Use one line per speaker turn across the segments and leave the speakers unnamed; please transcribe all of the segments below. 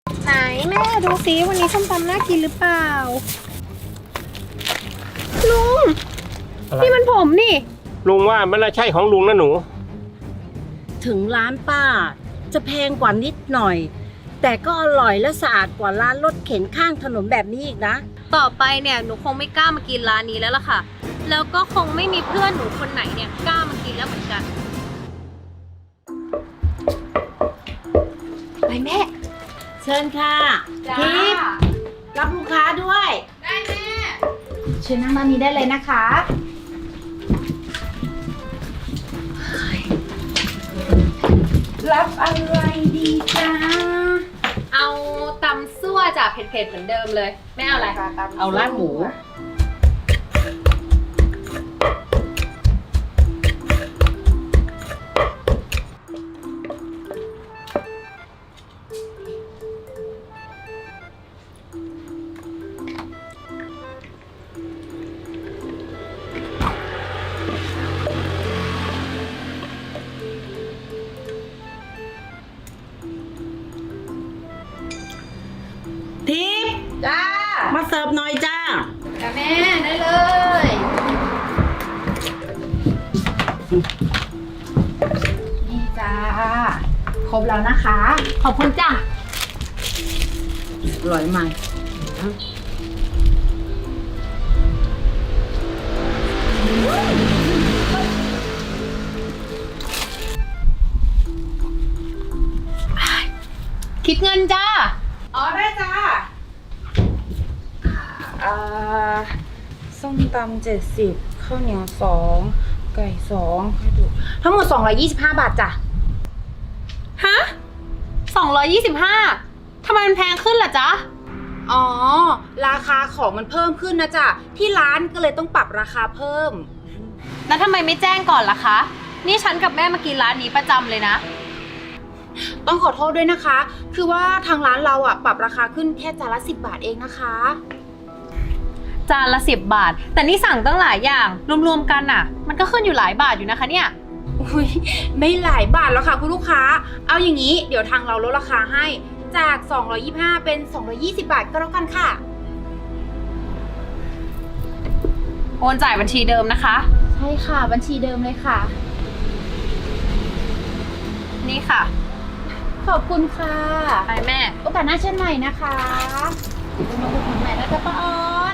ไหนแม่ดูซิวันนี้ส้มตำน่ากินหรือเปล่าลุงนี่มันผมนี่
ลุงว่ามันน่าใช่ของลุงนะหนู
ถึงร้านป้าจะแพงกว่านิดหน่อยแต่ก็อร่อยและสะอาดกว่าร้านรถเข็นข้างถนนแบบนี้อีกนะ
ต่อไปเนี่ยหนูคงไม่กล้ามากินร้านนี้แล้วล่ะค่ะแล้วก็คงไม่มีเพื่อนหนูคนไหนเนี่ยกล้ามากินแล้วเหมือนกันไปแม่
เชิญค่ะทิพย์รับลูกค้าด้วย
ได้แม่
เชิญนั่งด้านนี้ได้เลยนะคะรับอะไรดีจ้า
เอาตำซั่วจากเผ็ดๆเหมือนเดิมเลยไม่เอาอะไร
เอาลาดหมูทิพย์
จ้า
มาเสิร์ฟหน่อยจ้า
แม่ได้เลย
นี่จ้าครบแล้วนะคะ
ขอบคุณจ้า
อร่อยไหม
คิดเงินจ้า
อ๋อได้จ้าส้มตำ70ข้าวเหนียว2ไก่2ให้ดูทั้งหมด225 บาทจ้ะ
ฮะ225ทำไมมันแพงขึ้นล่ะจ๊ะ
อ๋อราคาของมันเพิ่มขึ้นนะจ๊ะที่ร้านก็เลยต้องปรับราคาเพิ่ม
แล้วทำไมไม่แจ้งก่อนล่ะคะนี่ฉันกับแม่มากินร้านนี้ประจำเลยนะ
ต้องขอโทษด้วยนะคะคือว่าทางร้านเราปรับราคาขึ้นแค่จานละ10 บาทเองนะคะ
จานละ10 บาทแต่นี่สั่งตั้งหลายอย่างรวมๆกันมันก็ขึ้นอยู่หลายบาทอยู่นะคะเนี่ย
อุ้ยไม่หลายบาทแล้วค่ะคุณลูกค้าเอาอย่างนี้เดี๋ยวทางเราลดราคาให้จาก225เป็น220 บาทก็แล้วกันค่ะ
โอนจ่ายบัญชีเดิมนะคะ
ใช่ค่ะบัญชีเดิมเลยค่ะ
นี่ค่ะ
ขอบคุณค่ะ
ไปแม่
โอกาสหน้าเช่นใหม่นะคะมาอุดหนุนใหม่นะคะป้าออน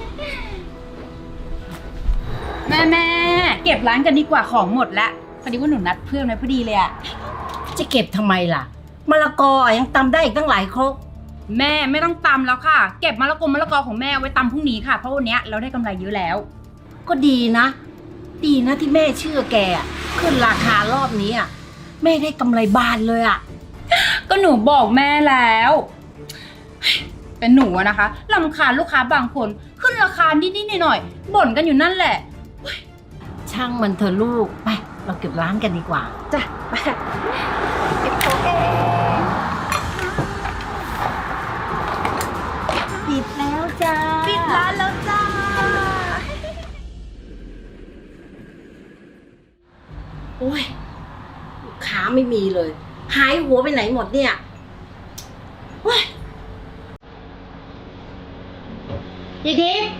แม่เก็บร้านกันดีกว่าของหมดแล้วพอดีว่าหนูนัดเพื่อนไว้พอดีเลย
จะเก็บทำไมล่ะมะละกอยังตำได้อีกตั้งหลายครก
แม่ไม่ต้องตำแล้วค่ะเก็บมะละกอของแม่ไว้ตำพรุ่งนี้ค่ะเพราะวันนี้เราได้กำไรเยอะแล้ว
ก็ดีนะที่แม่เชื่อแกขึ้นราคารอบนี้แม่ได้กำไรบานเลย
ก็หนูบอกแม่แล้วเป็นหนูนะคะรำคาญลูกค้าบางคนขึ้นราคานิดๆหน่อยๆบ่นกันอยู่นั่นแหละ
ช่างมันเถอะลูกไปเราเก็บร้านกันดีกว่า
จ้ะไป
เก็บของเองปิดแล้วจ้า
ปิดร้านแล้วจ้า
โอ้ยลูกค้าไม่มีเลยหายหัวไปไหนหมดเนี่ยเฮ้ยยายทิพย์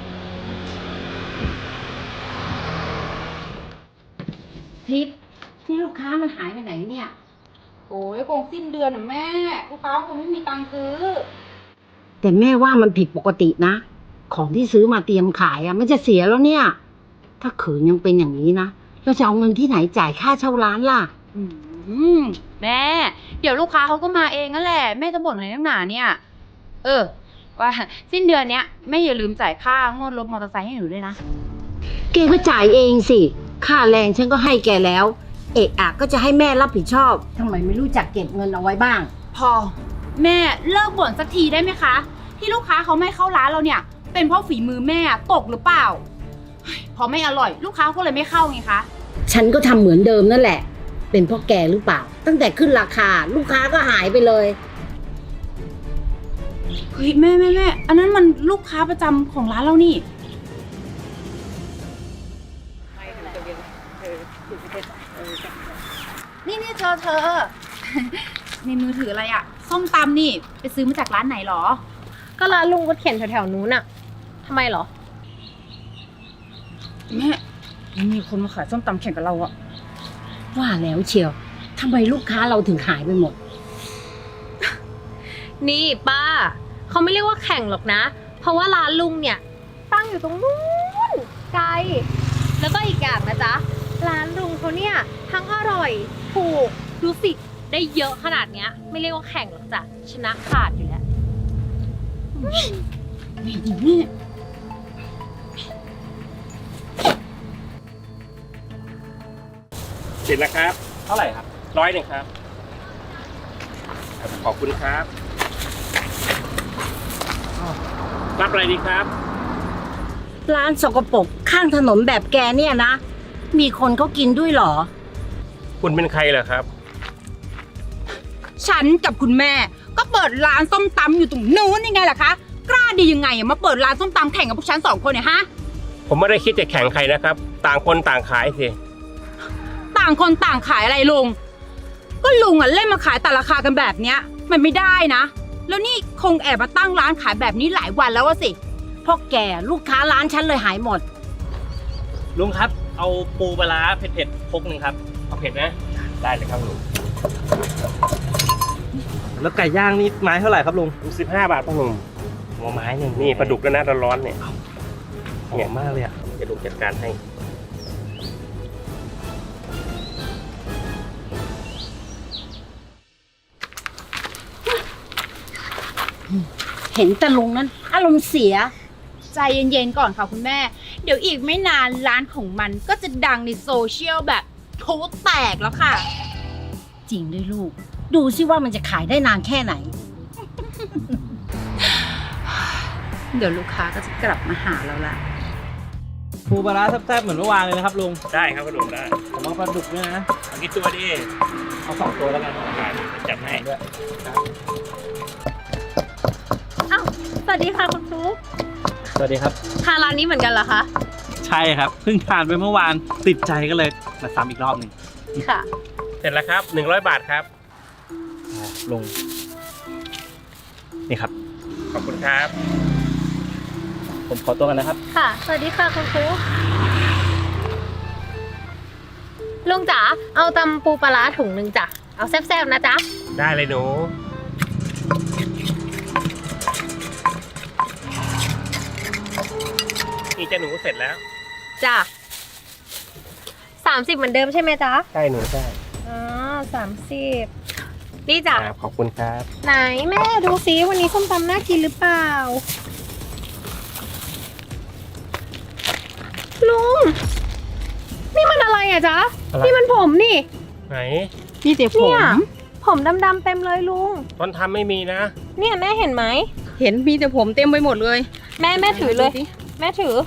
นี่ลูกค้ามันหายไปไหนเนี่ย
โอ้ยคงสิ้นเดือนแม่ลูกค้าคงไม่มีตังค์ซื้อ
แต่แม่ว่ามันผิดปกตินะของที่ซื้อมาเตรียมขายมันจะเสียแล้วเนี่ยถ้าขืนยังเป็นอย่างนี้นะเราจะเอาเงินที่ไหนจ่ายค่าเช่าร้านล่ะ
แม่เดี๋ยวลูกค้าเขาก็มาเองนั่นแหละแม่จะบ่นอะไรนักหนาเนี่ยว่าสิ้นเดือนเนี้ยแม่อย่าลืมจ่ายค่างวดรถมอเตอร์ไซค์ให้หนูด้วยนะ
แกก็จ่ายเองสิค่าแรงฉันก็ให้แกแล้วก็จะให้แม่รับผิดชอบทำไมไม่รู้จักเก็บเงินเอาไว้บ้าง
พอแม่เลิกบ่นสักทีได้ไหมคะที่ลูกค้าเขาไม่เข้าร้านเราเนี่ยเป็นเพราะฝีมือแม่ตกหรือเปล่าพอไม่อร่อยลูกค้าก็เลยไม่เข้าไงคะ
ฉันก็ทำเหมือนเดิมนั่นแหละเป็นเพราะแกหรือเปล่าตั้งแต่ขึ้นราคาลูกค้าก็หายไปเลย
เฮ้ยแม่อันนั้นมันลูกค้าประจำของร้านเรานี่นี่เธอในมือถืออะไรส้มตำนี่ไปซื้อมาจากร้านไหนหรอ
ก็ร้านลุงก็เขียนแถวๆนู้นอะทำไมเหรอ
แม่มีคนมาขายส้มตำแข่งกับเราอะ
ว่าแล้วเชียวทำไมลูกค้าเราถึงหายไปหมด
นี่ป้าเขาไม่เรียกว่าแข่งหรอกนะ เพราะว่าร้านลุงเนี่ยตั้งอยู่ตรงนู้นไกลแล้วก็อีกอย่างนะจ๊ะร้านลุงเขาเนี่ยทั้งอร่อยถูกดูสิได้เยอะขนาดเนี้ยไม่เรียกว่าแข่งหรอกจ้ะชนะขาดอยู่แล้ว
เสร็จแล้วครับ
เท่าไหร่ครับ
100ครับ ขอบคุณครับรับอะไรดีครับ
ร้านสกปรกข้างถนนแบบแกเนี่ยนะ มีคนเขากินด้วยเหรอ
คุณเป็นใครเหรอครับ
ฉันกับคุณแม่ก็เปิดร้านส้มตำอยู่ตรงนู้นยังไงล่ะคะ กล้าดียังไงอะมาเปิดร้านส้มตำแข่งกับพวกฉัน2 คนเนี่ยฮะ
ผมไม่ได้คิดจะแข่งใครนะครับ ต่างคนต่างขายสิ
ต่างคนต่างขายอะไรลุง ก็ลุงอะเล่นมาขายแต่ราคากันแบบเนี้ย มันไม่ได้นะ แล้วนี่คงแอบมาตั้งร้านขายแบบนี้หลายวันแล้วอะสิ
เพราะแกลูกค้าร้านฉันเลยหายหมด
ลุงครับ เอาปูปลาร้าเผ็ดๆพกหนึ่งครับ
เอาเผ็ดนะ ได้เลยครับลุง
แล้วไก่ย่างนี่ไม้เท่าไหร่ครับลุง
15 บาทพ่อหนุ่ม
หัวไม้หนึ่ง
นี่ปลาดุกแล้วนะร้อนๆเนี่ย
หอมมากเลยอ่ะ
จะลุงจัดการให้
เห็นแต่ลุงนั้นอารมณ์เสีย
ใจเย็นๆก่อนค่ะคุณแม่ เดี๋ยวอีกไม่นานร้านของมันก็จะดังในโซเชียลแบบโพแตกแล้วค่ะ
จริงด้วยลูก ดูสิว่ามันจะขายได้นานแค่ไหน
เดี๋ยวลูกค้าก็จะกลับมาหาเราละ
ปูปลาร้าแซ่บๆเหมือนเมื่อวานเลยนะครับลุง
ได้ครับพ่อหนุ่มได้
ผมเอาปลาดุกด้วยนะ
เอากี่ตัวดี
เอา2 ตัวแล้วกัน
ได้จัดให้
ด้วย
อ้าวสวัสดีค่ะคุณฟลุ๊ก
สวัสดีครับ
ทานร้านนี้เหมือนกันเหรอคะ
ใช่ครับ เพิ่งทานไปเมื่อวาน ติดใจก็เลยมาซ้ำอีกรอบหนึ่ง
ค่ะ
เสร็จแล้วครับ100 บาทครับ
ลุง นี่ครับ
ขอบคุณครับ
ผมขอตัวกันนะครับ
ค่ะ สวัสดีค่ะคุณฟลุ๊กลุงจ๋าเอาตำปูปลาร้าถุงหนึ่งจ้ะเอาแซ่บๆนะจ๊ะ
ได้เลยหนูนี่จะหนูเสร็จแล้ว
จ้ะ30เหมือนเดิมใช่ไหมจ๊ะ
ใช่หนูใช่
อ๋อ30นี่จ้ะ
ครับขอบคุณครับ
ไหนแม่ดูซิวันนี้ส้มตำน่ากินหรือเปล่า ลุง นี่มันอะไรอะจ๊ะ
อะไร
นี่มันผมนี่
ไหน
นี่เดี๋ยวผ
เนี่ย
ม
ผมดำๆเต็มเลยลุง
ตอนทำไม่มีนะ
เนี่ยแม่เห็นไหม
เห็นมีแต่ผมเต็มไปหมดเลย
แม่ถือเลย แม่ถือ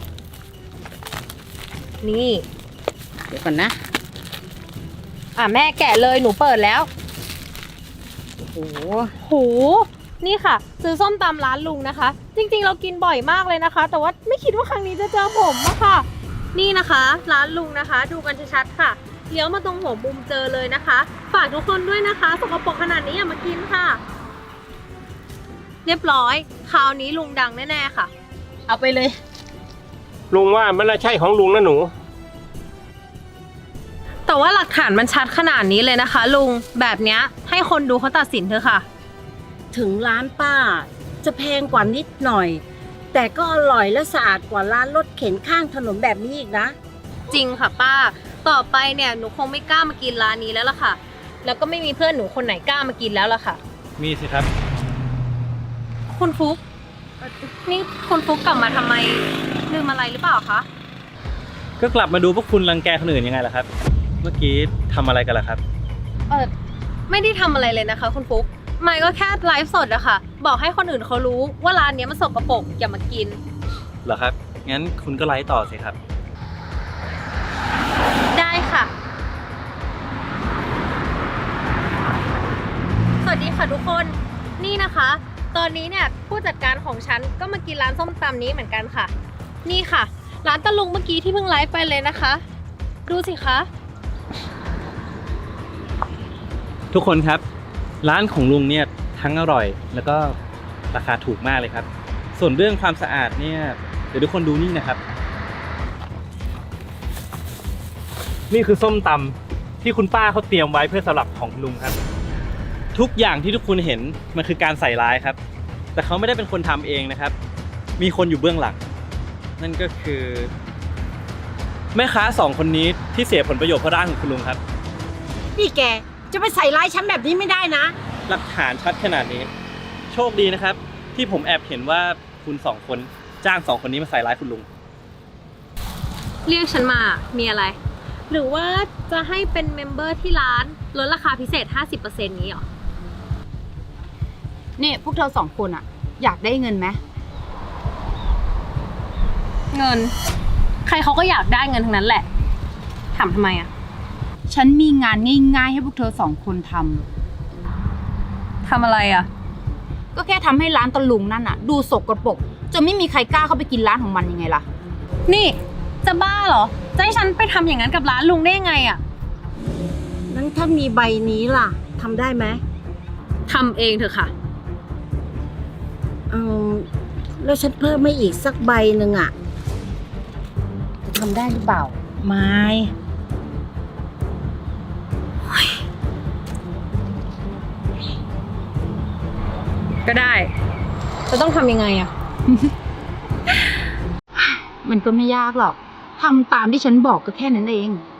นี่
เดี๋ยวก่อนนะ
แม่แกะเลยหนูเปิดแล้ว
โอ้โห
โห นี่ค่ะ ซื้อส้มตำร้านลุงนะคะ จริงๆเรากินบ่อยมากเลยนะคะ แต่ว่าไม่คิดว่าครั้งนี้จะเจอผมอะค่ะ นี่นะคะ ร้านลุงนะคะ ดูกันชัดๆค่ะเลี้ยวมาตรงหัวมุมเจอเลยนะคะ ฝากทุกคนด้วยนะคะสกปรกขนาดนี้อย่ามากินค่ะ เรียบร้อยคราวนี้ลุงดังแน่ๆค่ะ เอาไปเลย
ลุงว่ามันน่าใช่ของลุงนะหนู
แต่ว่าหลักฐานมันชัดขนาดนี้เลยนะคะ ลุงแบบเนี้ยให้คนดูเขาตัดสินเถอะค่ะ
ถึงร้านป้า จะแพงกว่านิดหน่อย แต่ก็อร่อยและสะอาดกว่าร้านรถเข็นข้างถนนแบบนี้อีกนะ
จริงค่ะป้า ต่อไปเนี่ยหนูคงไม่กล้ามากินร้านนี้แล้วล่ะค่ะ แล้วก็ไม่มีเพื่อนหนูคนไหนกล้ามากินแล้วล่ะค่ะ
มีสิครับ
คุณฟุกนี่คุณฟุกกลับมาทำไมลืมอะไรหรือเปล่าคะ
ก็กลับมาดูพวกคุณรังแกคนอื่นยังไงล่ะครับ เมื่อกี้ทำอะไรกันล่ะครับ
ไม่ได้ทำอะไรเลยนะคะ คุณฟุกไม่ก็แค่ไลฟ์สดอะค่ะ บอกให้คนอื่นเขารู้ว่าร้านเนี้ยมันสกปรกอย่ามากิน
เหรอครับ งั้นคุณก็ไลฟ์ต่อสิครับ
ได้ค่ะ สวัสดีค่ะทุกคนนี่นะคะ ตอนนี้เนี่ยผู้จัดการของฉันก็มากินร้านส้มตำนี้เหมือนกันค่ะ นี่ค่ะ ร้านตะลุงเมื่อกี้ที่เพิ่งไลฟ์ไปเลยนะคะ ดูสิคะ
ทุกคนครับ ร้านของลุงเนี่ยททั้งอร่อย แล้วก็ราคาถูกมากเลยครับ ส่วนเรื่องความสะอาดเนี่ยเดี๋ยวทุกคนดูนี่นะครับ นี่คือส้มตำที่คุณป้าเขาเตรียมไว้เพื่อสำหรับของคุณลุงครับ ทุกอย่างที่ทุกคนเห็นมันคือการใส่ร้ายครับ แต่เขาไม่ได้เป็นคนทำเองนะครับ มีคนอยู่เบื้องหลัง นั่นก็คือแม่ค้า2 คนนี้ที่เสียผลประโยชน์เพราะร้านของคุณลุงครับ
นี่แกจะไปใส่ร้ายฉันแบบนี้ไม่ได้นะ
หลักฐานชัดขนาดนี้ โชคดีนะครับ ที่ผมแอบเห็นว่าคุณ2 คนจ้าง2 คนนี้มาใส่ร้ายคุณลุง
เรียกฉันมามีอะไร หรือว่าจะให้เป็นเมมเบอร์ที่ร้านลดราคาพิเศษ 50% นี้หรอ
นี่พวกเธอ2 คนอะอยากได้เงินไหม
เงิน ใครเขาก็อยากได้เงินทั้งนั้นแหละถามทำไมอะ
ฉันมีงานง่ายๆให้พวกเธอ2 คนท
ทำอะไรอะ
ำก็แค่ทำให้ร้านตะลุงนั่นอะดูสกปรกจนไม่มีใครกล้าเข้าไปกินร้านของมันยังไงล่ะ
นี่จะบ้าเหรอ จะให้ฉันไปทำอย่างนั้นกับร้านลุงได้ยังไงอะ
นั้นถ้ามีใบนี้ล่ะทำได้ไหม
ทำเองเถอะค่ะ
แล้วฉันเพิ่มไม่อีกสักใบหนึ่งอ่ะจะทำได้หรือเปล่า ไม่
ก็ได้ จะต้องทำยังไงอะ
มันก็ไม่ยากหรอกทำตามที่ฉันบอกก็แค่นั้นเอง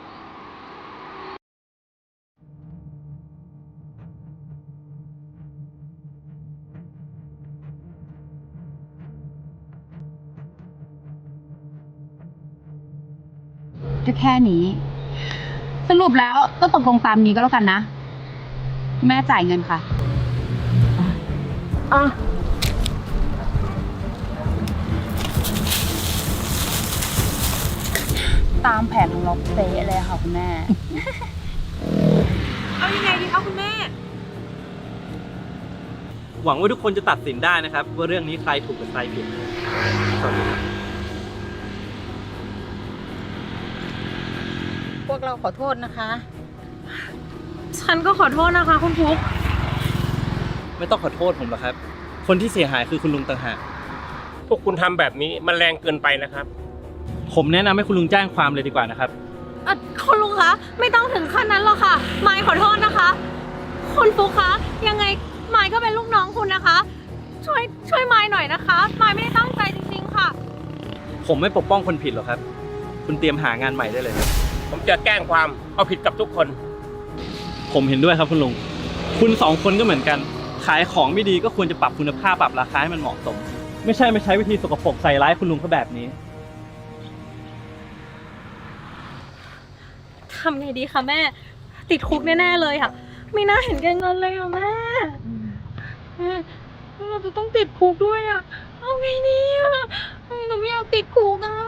ก็แค่นี้ สรุปแล้วก็ตกลงตามนี้ก็แล้วกันนะ แม่จ่ายเงินค่ะ
อ่ะ
ตามแผนของเราเป๊ะเลยค่ะคุณแม่
เอายังไงดีคะคุณแม่
หวังว่าทุกคนจะตัดสินได้นะครับ ว่าเรื่องนี้ใครถูกหรือใครผิดสวัสดีครับ
พวกเราขอโทษนะคะ
ฉันก็ขอโทษนะคะคุณฟุ๊ก
ไม่ต้องขอโทษผมหรอกครับ คนที่เสียหายคือคุณลุงต่างหาก
พวกคุณทำแบบนี้มันแรงเกินไปนะครับ
ผมแนะนำให้คุณลุงแจ้งความเลยดีกว่านะครับ
คุณลุงคะไม่ต้องถึงขั้นนั้นหรอกค่ะมายขอโทษนะคะ คุณฟุ๊กคะยังไงมายก็เป็นลูกน้องคุณนะคะ ช่วยมายหน่อยนะคะมายไม่ได้ตั้งใจจริงๆค่ะ
ผมไม่ปกป้องคนผิดหรอกครับ คุณเตรียมหางานใหม่ได้เลยครับ
ผมจะแกล้งความเอาผิดกับทุกคน
ผมเห็นด้วยครับคุณลุง คุณ2 คนก็เหมือนกัน ขายของไม่ดีก็ควรจะปรับคุณภาพปรับราคาให้มันเหมาะสม ไม่ใช่มาใช้วิธีสกปรกใส่ร้ายคุณลุงเขาแบบนี้
ทำไงดีคะแม่ ติดคุกแน่ๆเลยค่ะ ไม่น่าเห็นแก่เงินเลยค่ะแม่เราจะต้องติดคุกด้วยอ่ะเอาไงดีอ่ะหนูไม่อยากติดคุกอ่ะ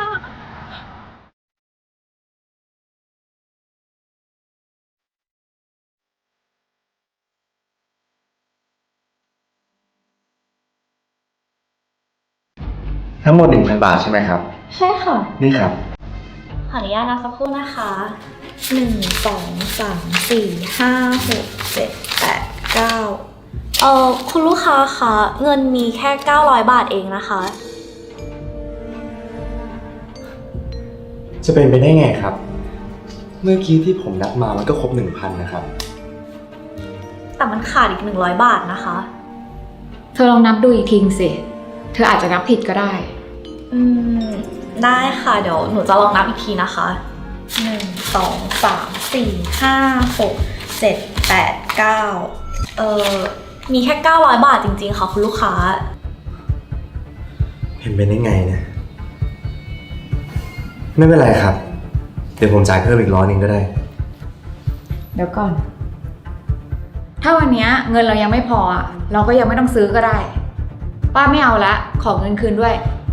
ทั้งหมด 1,000 บาทใช่ไหมครับ
ใช่ค่ะ
นี่ครับ
ขออนุญาตนับสักครู่นะคะ1 2 3 4 5 6 7 8 9คุณลูกค้าคะเงินมีแค่900 บาทเองนะคะ
จะเป็นไปได้ไงครับ เมื่อกี้ที่ผมนับมามันก็ครบ 1,000 นะครับ
แต่มันขาดอีก100 บาทนะคะ
เธอลองนับดูอีกทีสิ เธออาจจะนับผิดก็ได้
ได้ค่ะเดี๋ยวหนูจะลองนับอีกทีนะคะ1 2 3 4 5 6 7 8 9มีแค่900 บาทจริงๆค่ะคุณลูกค้า
เห็นเป็นได้ไงนะ ไม่เป็นไรครับ เดี๋ยวผมจ่ายเพิ่มอีก100ก็ได้
เดี๋ยวก่อน ถ้าวันนี้เงินเรายังไม่พออะเราก็ยังไม่ต้องซื้อก็ได้ ป้าไม่เอาละ ขอเงินคืนด้วย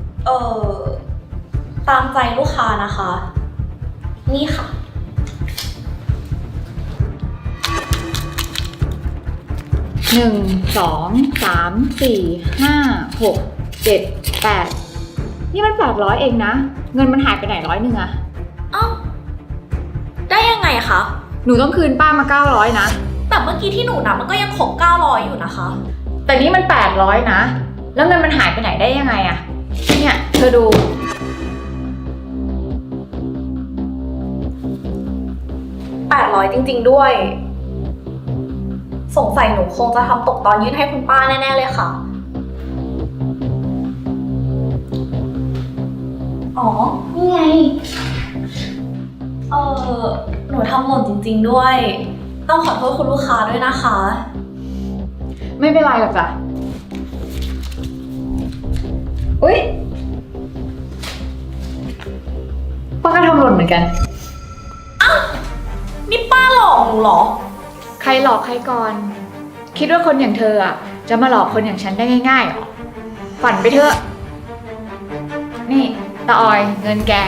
ตามใจลูกค้านะคะ นี่ค่ะ
1 2 3 4 5 6 7 8นี่มัน800เองนะ เงินมันหายไปไหน100อะ
เอ้า ได้ยังไงคะ
หนูต้องคืนป้ามา900นะ
แต่เมื่อกี้ที่หนูนับมันก็ยังครบ900อยู่นะคะ
แต่นี่มัน800นะ แล้วเงินมันหายไปไหนได้ยังไงอะเนี่ยเธอดู
800จริงๆด้วย สงสัยหนูคงจะทำตกตอนยื่นให้คุณป้าแน่ๆเลยค่ะ อ๋อ นี่ไง หนูทำหล่นจริงๆด้วย ต้องขอโทษคุณลูกค้าด้วยนะคะ
ไม่เป็นไรหรอกจ้ะอุ๊ยป้าก็ทำหล่นเหมือนกัน
นี่ป้าหลอกหนูเหรอ
ใครหลอกใครก่อน คิดว่าคนอย่างเธออะจะมาหลอกคนอย่างฉันได้ง่ายๆหรอ ฝันไปเถอะ นี่ตาออยเงินแก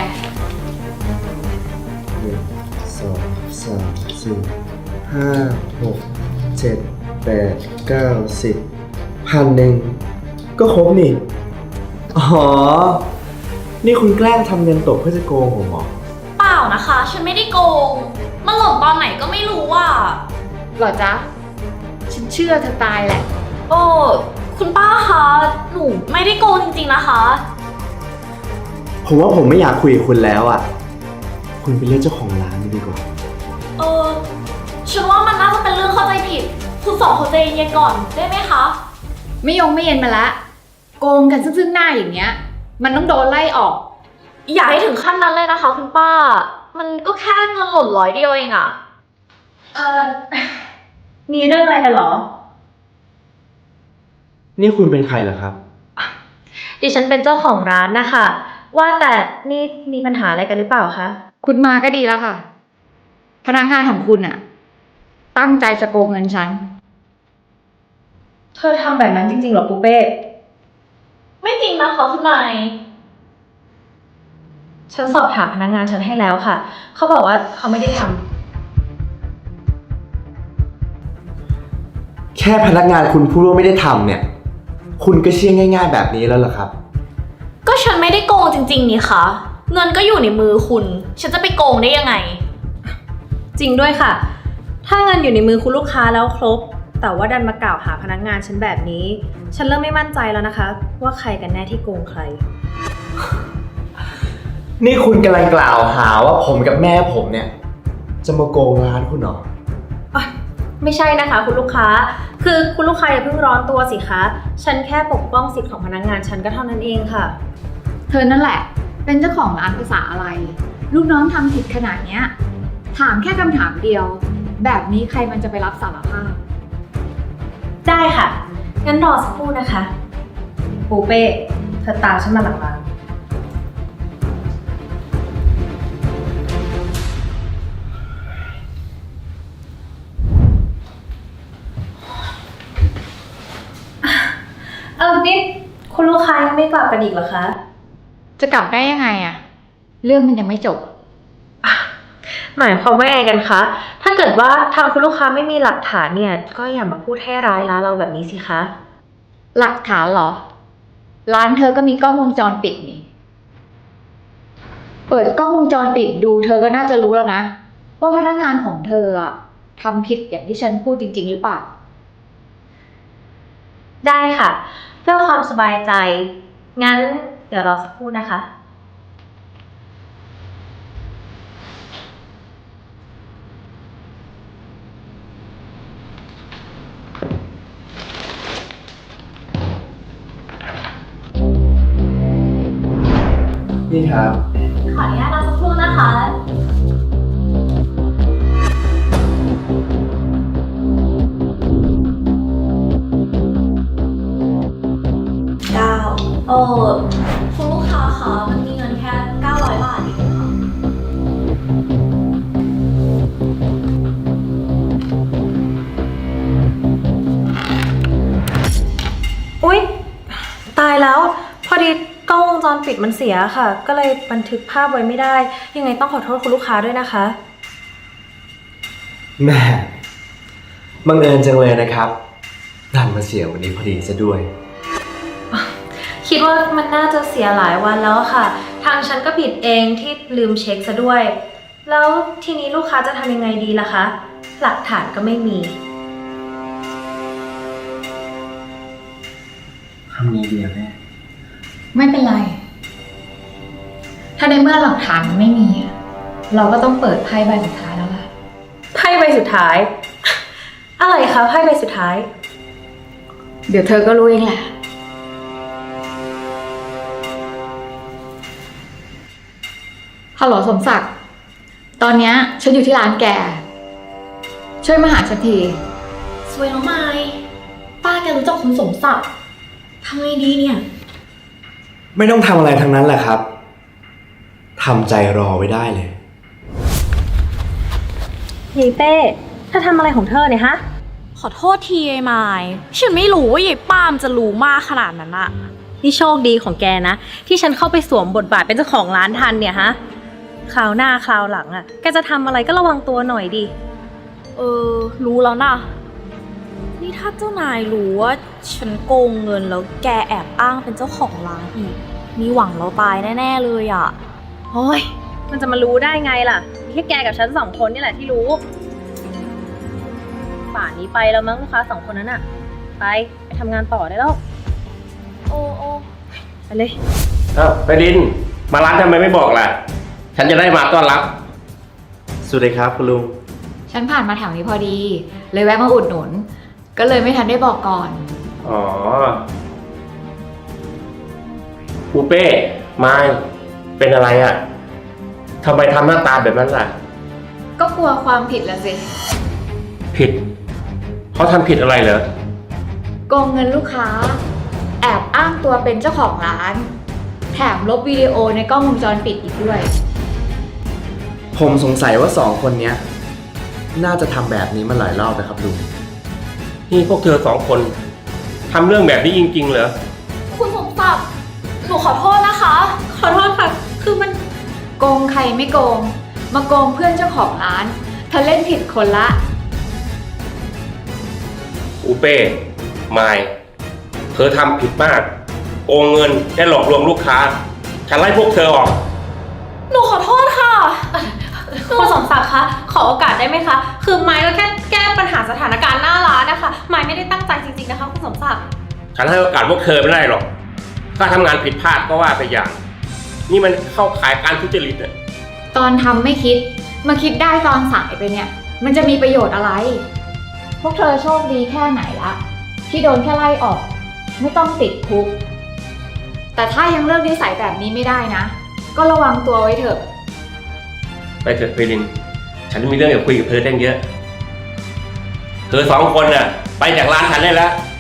1 2 3 4 5 6 7 8 9 10 1,000ก็ครบนี่ อ๋อ นี่คุณแกล้งทำเงินตกเพื่อจะโกงผมเหรอ
เปล่านะคะ ฉันไม่ได้โกง มันหล่นตอนไหนก็ไม่รู้อ่ะ
หรอจ๊ะ ฉันเชื่อเธอตายแหละ
โอ้คุณป้าคะ หนูไม่ได้โกงจริงๆนะคะ
ผมว่าผมไม่อยากคุยกับคุณแล้วอ่ะ คุณไปเรียกเจ้าของร้านดีกว่า
ฉันว่ามันน่าจะเป็นเรื่องเข้าใจผิด คุณสองคนใจเย็นๆก่อนได้ไหมคะ
ไม่เย็นมาละ โกงกันซึ่งหน้าอย่างเงี้ย มันต้องโดนไล่ออก
อย่าให้ถึงขั้นนั้นเลยนะคะคุณป้า มันก็แค่เงินหล่น100 เดียวเองอะ
มีเรื่องอะไรกันเหรอ
นี่คุณเป็นใครเหรอครับ
ดิฉันเป็นเจ้าของร้านนะคะ ว่าแต่นี่มีปัญหาอะไรกันหรือเปล่าคะ
คุณมาก็ดีแล้วค่ะ พนักงานของคุณอะตั้งใจจะโกงเงินฉัน
เธอทำแบบนั้นจริงๆเหรอปูเป้
ไม่จริงนะคะคุณนาย
ฉันสอบถามพนักงานฉันให้แล้วค่ะ เขาบอกว่าเขาไม่ได้ทำ
แค่พนักงานคุณพูดว่าไม่ได้ทำเนี่ย คุณก็เชื่อง่ายๆแบบนี้แล้วเหรอครับ
ก็ฉันไม่ได้โกงจริงๆนี่คะ เงินก็อยู่ในมือคุณ ฉันจะไปโกงได้ยังไง
จริงด้วยค่ะ ถ้าเงินอยู่ในมือคุณลูกค้าแล้วครบ แต่ว่าดันมากล่าวหาพนักงานฉันแบบนี้ ฉันเริ่มไม่มั่นใจแล้วนะคะ ว่าใครกันแน่ที่โกงใคร
นี่คุณกำลังกล่าวหาว่าผมกับแม่ผมเนี่ย จะมาโกงร้านคุณเหรอ
ไม่ใช่นะคะคุณลูกค้า คือคุณลูกค้าอย่าเพิ่งร้อนตัวสิคะ ฉันแค่ปกป้องสิทธิ์ของพนักงานฉันก็เท่านั้นเองค่ะ
เธอนั่นแหละ เป็นเจ้าของร้านภาษาอะไร ลูกน้องทำผิดขนาดเนี้ย ถามแค่คำถามเดียว แบบนี้ใครมันจะไปรับสารภาพ
ได้ค่ะ งั้นรอสักครู่นะคะ ปูเป้ เธอตามฉันมาหลังร้าน นี่คุณลูกค้ายังไม่กลับกันอีกเหรอคะ
จะกลับได้ยังไงอะเรื่องมันยังไม่จบ
หมายความว่าไงกันคะ ถ้าเกิดว่าทางคุณลูกค้าไม่มีหลักฐานเนี่ย ก็อย่ามาพูดให้ร้ายร้านเราแบบนี้สิคะ
หลักฐานเหรอ ร้านเธอก็มีกล้องวงจรปิดนี่ เปิดกล้องวงจรปิดดูเธอก็น่าจะรู้แล้วนะ ว่าพนักงานของเธออะทำผิดอย่างที่ฉันพูดจริงๆหรือเปล่า
ได้ค่ะ เพื่อความสบายใจ งั้นเดี๋ยวรอสักครู่นะคะ
นี่ครับ
ขออนุญาตรอสักครู่นะคะ คุณลูกค้าคะ มันมีเงินแค่900 บาทเองค่ะ
อุ๊ย ตายแล้ว พอดีกล้องวงจรปิดมันเสียค่ะ ก็เลยบันทึกภาพไว้ไม่ได้ ยังไงต้องขอโทษคุณลูกค้าด้วยนะคะ
แม่บังเอิญจังเลยนะครับดันมาเสียวันนี้พอดีซะด้วย
คิดว่ามันน่าจะเสียหลายวันแล้วค่ะ ทางฉันก็ผิดเองที่ลืมเช็คซะด้วย แล้วทีนี้ลูกค้าจะทำยังไงดีล่ะคะ หลักฐานก็ไม่มี
ำไงดีอะแม่
ไม่เป็นไร ถ้าในเมื่อหลักฐานมันไม่มีอะเราก็ต้องเปิดไพ่ใบสุดท้ายแล้วล่ะ
ไพ่ใบสุดท้าย อะไรคะไพ่ใบสุดท้าย
เดี๋ยวเธอก็รู้เองแหละ ฮัลโหลสมศักดิ์ ตอนเนี้ยฉันอยู่ที่ร้านแก ช่วยมาหาฉันที
สวยน้องไม้ป้าแกรู้จักคุณสมศักดิ์ทำไงดีเนี่ย
ไม่ต้องทำอะไรทั้งนั้นแหละครับ ทำใจรอไว้ได้เลย
ยายเป้เธอทำอะไรของเธอเนี่ยฮะ
ขอโทษทีไอ้ไม้ฉันไม่รู้ว่ายายป้ามจะรู้มากขนาดนั้นอะ
นี่โชคดีของแกนะ ที่ฉันเข้าไปสวมบทบาทเป็นเจ้าของร้านทันเนี่ยฮะ คราวหน้าคราวหลังแกจะทำอะไรก็ระวังตัวหน่อยดิ
รู้แล้วนะ นี่ถ้าเจ้านายรู้ว่าฉันโกงเงินแล้วแกแอบอ้างเป็นเจ้าของร้านอีก มีหวังเราตายแน่ๆเลยอะ
โอ้ยมันจะมารู้ได้ไงล่ะมีแค่แกกับฉัน2 คนนี่แหละที่รู้ ป่านนี้ไปแล้วมั้งลูกค้า2 คนนั้นอะไปทำงานต่อได้แล้ว
โอ้
ไปเลย
ไปดิน มาร้านทำไมไม่บอกล่ะ ฉันจะได้มาต้อนรับ
สวัสดีครับคุณลุง
ฉันผ่านมาแถวนี้พอดี เลยแวะมาอุดหนุน ก็เลยไม่ทันได้บอกก่อน
อ๋อปูเป้ไม้เป็นอะไรอ่ะทำไมทำหน้าตาแบบนั้นล่ะ
ก็กลัวความผิดละสิ
ผิด เขาทำผิดอะไรเหรอ
โกงเงินลูกค้า แอบอ้างตัวเป็นเจ้าของร้าน แถมลบวิดีโอในกล้องวงจรปิดอีกด้วย
ผมสงสัยว่า2 คนเนี้ย น่าจะทำแบบนี้มาหลายรอบนะครับลุง
นี่พวกเธอ2 คนทำเรื่องแบบนี้จริงๆเหรอ
คุณสมศักดิ์หนูขอโทษนะคะ
ขอโทษค่ะ คือมัน
โกงใครไม่โกง มาโกงเพื่อนเจ้าของร้าน เธอเล่นผิดคนละ
ปูเป้ไม้เธอทำผิดมาก โกงเงินและหลอกลวงลูกค้า ฉันไล่พวกเธอออก
หนูขอโทษค่ะ
คุณสมศักดิ์คะ ขอโอกาสได้ไหมคะ คือไม้ก็แค่แก้ปัญหาสถานการณ์หน้าร้านนะคะ ไม้ไม่ได้ตั้งใจจริงๆนะคะคุณสมศักดิ์
ฉันให้โอกาสพวกเธอไม่ได้หรอก ถ้าทำงานผิดพลาดก็ว่าไปอย่าง นี่มันเข้าข่ายการทุจริตอ่ะ
ตอนทำไม่คิด มาคิดได้ตอนสายไปเนี่ย มันจะมีประโยชน์อะไร พวกเธอโชคดีแค่ไหนละที่โดนแค่ไล่ออก ไม่ต้องติดคุก แต่ถ้ายังเลิกนิสัยแบบนี้ไม่ได้นะ ก็ระวังตัวไว้เถอะ
ไปเถิดเพลิน ฉันมีเรื่องอยากคุยกับเธอตั้งเยอะ เธอ2 คนน่ะ ไปจากร้านฉันได้แล้ว